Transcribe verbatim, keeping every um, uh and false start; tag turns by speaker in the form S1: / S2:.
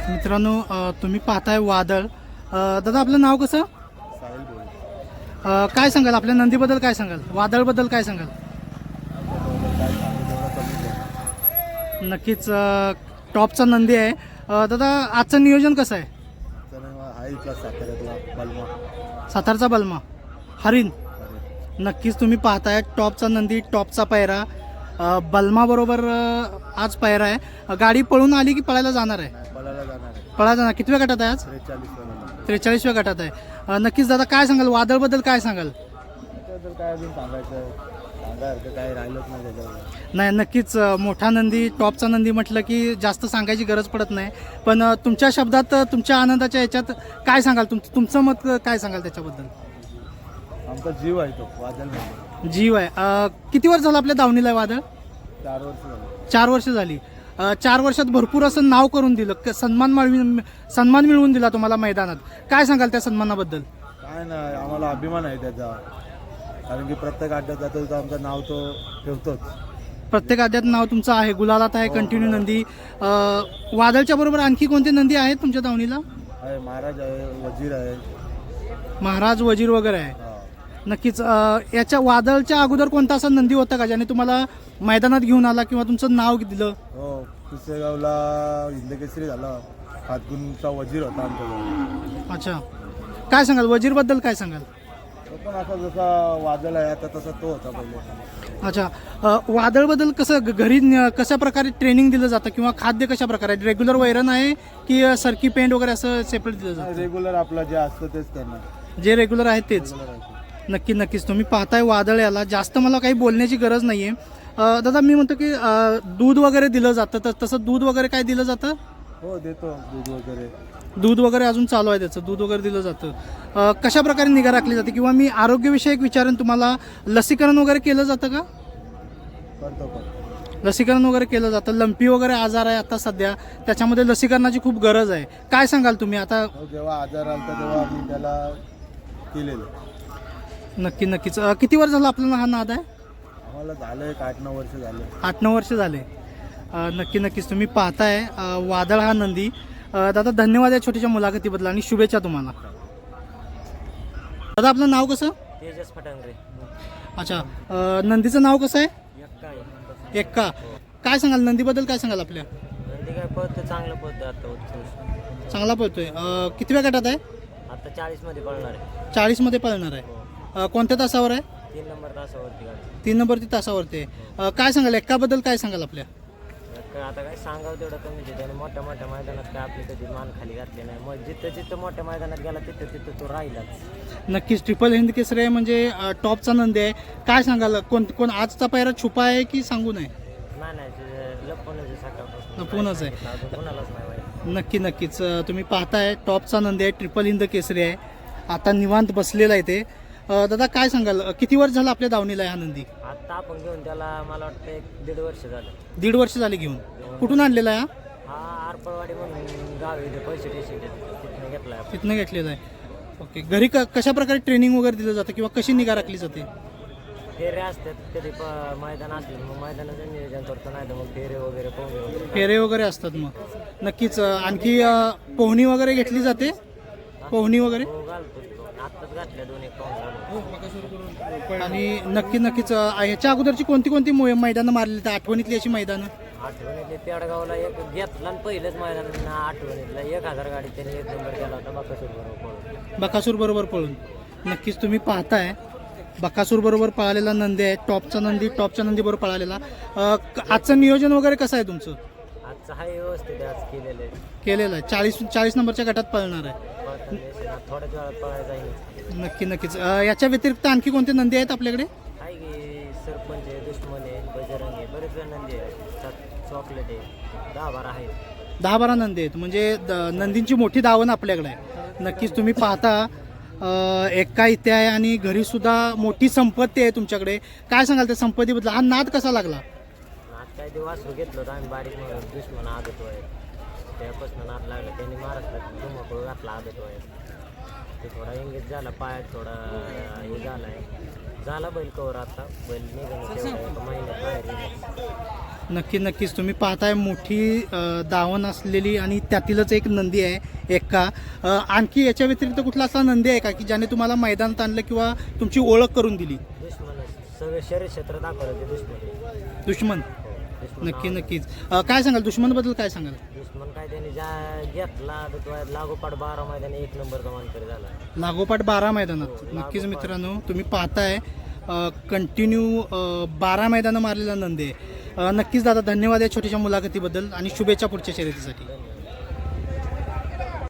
S1: मित्रांनो अ, तुम्ही पाहताय वादळ. अ, दादा आपलं नाव कसं?
S2: साहिल बोल.
S1: अ, काय सांगाल आपल्या नंदीबद्दल, काय सांगाल वादळबद्दल काय सांगाल?
S2: काय सांगू तेवढं कमीच आहे.
S1: नक्कीच अ, टॉपचा नंदी आहे. अ, दादा आजचं नियोजन कसं आहे?
S2: तर हा इथला साताऱ्यातला बलमा.
S1: सातारचा बलमा हरिण.
S2: अरे
S1: नक्कीच तुम्ही पाहताय टॉपचा नंदी, टॉपचा पायरा अ, बलमाबरोबर अ, आज पायरा आहे. अ, गाडी पळून आली की पळायला जाणार आहे?
S2: नाही पळायला जाणार आहे.
S1: पळायला जाणार. कितव्या गटात आहे आज?
S2: त्रेचाळीस वाला.
S1: त्रेचाळीसव्या गटात आहे. अ, नक्कीच दादा काय सांगाल वादळबद्दल, काय सांगाल?
S2: त्याबद्दल काय अजून सांगायचं सांगायचं काय राहिलंच नाही त्याच्यावर.
S1: नाही नक्कीच अ, मोठा नंदी, टॉपचा नंदी म्हटलं की जास्त सांगायची गरज पडत नाही. पण अ, तुमच्या शब्दात, अ, तुमच्या आनंदाच्या याच्यात काय सांगाल? तुम तुमचं मत अ, काय सांगाल त्याच्याबद्दल?
S2: आमचा जीव आहे तो वादळ म्हणजे.
S1: जीव आहे. अ, किती वर्ष झालं आपल्या दावणीला आहे वादळ?
S2: चार वर्ष झाले.
S1: चार वर्ष झाली. अ, चार वर्षात भरपूर असं नाव करून दिलं, क- सन्मान मिळवून सन्मान मिळवून दिला तुम्हाला मैदानात. काय सांगाल त्या सन्मानाबद्दल?
S2: काय नाही आम्हाला अभिमान आहे त्याचा, कारण की प्रत्येक अड्ड्यात जातो तर आमचं नाव तो ठेवतोच.
S1: प्रत्येक अध्यात नाव तुमचं आहे, गुलालात आहे, कंटिन्यू नंदी. अ, वादळच्या बरोबर आणखी कोणते नंदी आहेत तुमच्या दावणीला?
S2: आहे महाराज आहे, वजीर आहे.
S1: महाराज, वजीर वगैरे आहे.
S2: हा.
S1: नक्कीच. अ, याच्या वादळच्या अगोदर कोणता असा नंदी होता का ज्याने तुम्हाला मैदानात घेऊन आला किंवा तुमचं नाव दिलं?
S2: हो पुसेगावला हिंदकेसरी झाला. हातगुणचा वजीर होता आमच्याजवळ.
S1: अच्छा. काय सांगाल वजीरबद्दल, काय सांगाल?
S2: तो पण असा जसा वादळ आहे आता तसा तो होता पहिले.
S1: अच्छा. अ, वादळबद्दल कसं ग- घरी न- कशा प्रकारे ट्रेनिंग दिलं जातं किंवा खाद्य कशा प्रकारे रेग्युलर वैरण आहे की अ, सरकी पेंट वगैरे असं सेपरेट दिलं जातं?
S2: रेग्युलर आपलं जे असतं तेच त्यांना
S1: जे रेग्युलर आहे तेच.
S2: रेग्युलर आहे.
S1: नक्की नक्कीच तुम्ही पाहताय वादळ याला जास्त मला काही बोलण्याची गरज नाहीये. अ, दादा मी म्हणतो की अ, दूध वगैरे दिलं जातं, तर तसं दूध वगैरे काय दिलं जातं?
S2: हो देतो दूध वगैरे.
S1: दूध वगैरे अजून चालू आहे त्याचं, दूध वगैरे दिलं जातं. अ, कशा प्रकारे निगा राखली जाते किंवा मी आरोग्यविषयक विचारेन तुम्हाला, लसीकरण वगैरे केलं जातं का?
S2: करतो पण
S1: लसीकरण वगैरे केलं जातं. लंपी वगैरे आजार आहे आता सध्या, त्याच्यामध्ये लसीकरणाची खूप गरज आहे. काय सांगाल तुम्ही आता?
S2: हो, जेव्हा आजार आला तेव्हा आम्ही त्याला केलेलं.
S1: नक्की नक्कीच. अ, किती वर्ष झालं आपल्याला हा नाद आहे?
S2: आम्हाला झालं एक आठ नऊ वर्ष झाले.
S1: आठ नऊ वर्ष झाले. अ, नक्की नक्कीच तुम्ही पाहताय अ, वादळ हा नंदी. अ, दादा धन्यवाद या छोट्याशा मुलाखतीबद्दल आणि शुभेच्छा तुम्हाला. दादा आपलं नाव कसं?
S3: तेजस फटांगरे.
S1: अच्छा. अ, नंदीचं नाव कसं आहे?
S3: एक्का
S1: एक्का. काय सांगाल नंदीबद्दल, काय सांगाल आपल्या?
S3: नंदी काय पळतं, चांगलं पळतं आता उत्सव.
S1: चांगला पळतोय. अ, कितव्या गटात आहे?
S3: आता चाळीसमध्ये पळणार आहे.
S1: चाळीसमध्ये पळणार आहे.
S3: हो.
S1: अ, कोणत्या तासावर आहे?
S3: तीन नंबर तासावरती गाडी.
S1: तीन नंबरची तासावरती आहे. अ, काय सांगाल एक्काबद्दल, काय सांगाल आपल्या?
S3: एक्का आता काय सांगावं तेवढं कमीच आहे. त्याने मोठ्या मोठ्या मैदानात काय आपली कधी मान खाली घातली नाही. मग जिथं जिथं मोठ्या मैदानात गेला तिथं तिथं तो राहिलाच.
S1: नक्कीच ट्रिपल हिंद केसरी आहे म्हणजे अ, टॉपचा नंदी आहे. काय सांगाल कोण कोण आजचा पायरा छुपा आहे की सांगू नये?
S3: नाही नाही ते लपवूनच आहे सकाळपासून.
S1: लपवूनच आहे.
S3: अजून कोणालाच नाही माहिती.
S1: नक्की नक्कीच. अ, तुम्ही पाहताय टॉपचा नंदी आहे, ट्रिपल हिंद केसरी आहे. आता निवांत बसलेला आहे ते. अ, दादा काय सांगाल अ, किती वर्ष झालं आपल्या दावणीला आहे हा नंदी?
S3: आता आपण घेऊन त्याला मला वाटतं एक दीड वर्ष झालं.
S1: दीड वर्ष झाले घेऊन. कुठून आणलेला आहे हा?
S3: हा आरपळवाडी म्हणून गाव आहे इथे, पैसे टेशन तिथून घेतला आपण.
S1: तिथनं घेतलेला आहे. ओके. घरी क कशा प्रकारे ट्रेनिंग वगैरे दिलं जातं किंवा कशी निगा राखली जाते?
S3: फेरे असतात कधी प मैदान असले मग मैदानाचं नियोजन करतो, नाही तर मग फेरे वगैरे पोहणे वगैरे.
S1: फेरे वगैरे असतात मग. नक्कीच. अ, आणखी अ, पोहणी वगैरे घेतली जाते? पोहणी वगैरे
S3: हो घालतो तो. आत्ताच घातल्या दोन एक पाऊस झालं.
S1: आणि नक्की नक्कीच. अ, ह्याच्या अगोदरची कोणती कोणती मो- मैदानं मारली तर आठवणीतली अशी मैदानं?
S3: आठवणीतले पेडगावला एक घेतला आणि पहिलंच मैदान आठवणीतला एक हजार गाडी त्यांनी एक नंबर केला होता बकासूर बरोबर.
S1: बकासूर बरोबर पळून. नक्कीच तुम्ही पाहताय बकासूर बरोबर पळालेला नंदी आहे, टॉपचा नंदी, टॉपच्या नंदी बरोबर पळालेला. अ, क- आजचं नियोजन वगैरे कसं आहे तुमचं?
S3: आजचं हाय व्यवस्थित आहे, आज केलेलं आहे.
S1: केलेलं आहे. चाळीस चाळीस नंबरच्या गटात पळणार आहे.
S3: पळताना दिसेल, आता थोड्याच वेळात पळायला जाईल.
S1: नक्की नक्कीच. अ, याच्या व्यतिरिक्त आणखी कोणते नंदी आहेत आपल्याकडे?
S3: आहे की सरपंच आहे, दुश्मन आहे, बजरंग आहे, बरेच वेळ नंदी आहे. चॉकलेट आहे, दहा बारा आहे.
S1: दहा बारा नंदी आहेत म्हणजे द- नंदींची मोठी दावण आपल्याकडे आहे. नक्कीच तुम्ही पाहता अ, एक्का इथे आहे आणि घरी सुद्धा मोठी संपत्ती आहे तुमच्याकडे. काय सांगाल त्या संपत्तीबद्दल? हा नाद कसा लागला?
S3: आज काय ते वासरू घेतलं होतं आम्ही बारीक म्हणून, दुश्मन आदत आहे त्यापासून नाद लागला. त्यांनी महाराष्ट्रात धुमाकूळ घातला आदत आहे. ते थोडा इंगेज झाला, पायात थोडा हे झाला आहे. झाला बैल कवर आता बैल निघाला तेवढा एका महिन्यात बाहेर निघाला.
S1: नक्की नक्कीच तुम्ही पाहताय मोठी अ, दावण असलेली आणि त्यातीलच एक नंदी आहे एक्का. अ, आणखी याच्या व्यतिरिक्त कुठला असा नंदी आहे का की ज्याने तुम्हाला मैदानात आणलं किंवा तुमची ओळख करून दिली?
S3: दुश्मन सगळे शरीर क्षेत्र दाखवलं ते दुश्मन
S1: दुश्मन.
S3: दुश्मन
S1: नक्की
S3: नाव-
S1: नक्कीच. अ, काय सांगाल दुश्मनबद्दल काय सांगाल?
S3: दुश्मन काय त्यांनी ज्या घेतला आदत वयात लागोपाठ बारा मैदानी एक नंबरचा मानकरी झाला.
S1: लागोपाठ बारा मैदानात. नक्कीच मित्रांनो तुम्ही पाहताय कंटिन्यू बारा मैदानं मारलेला नंदी आहे. अ, नक्कीच दादा धन्यवाद या छोट्याशा मुलाखतीबद्दल आणि शुभेच्छा पुढच्या शर्यतीसाठी.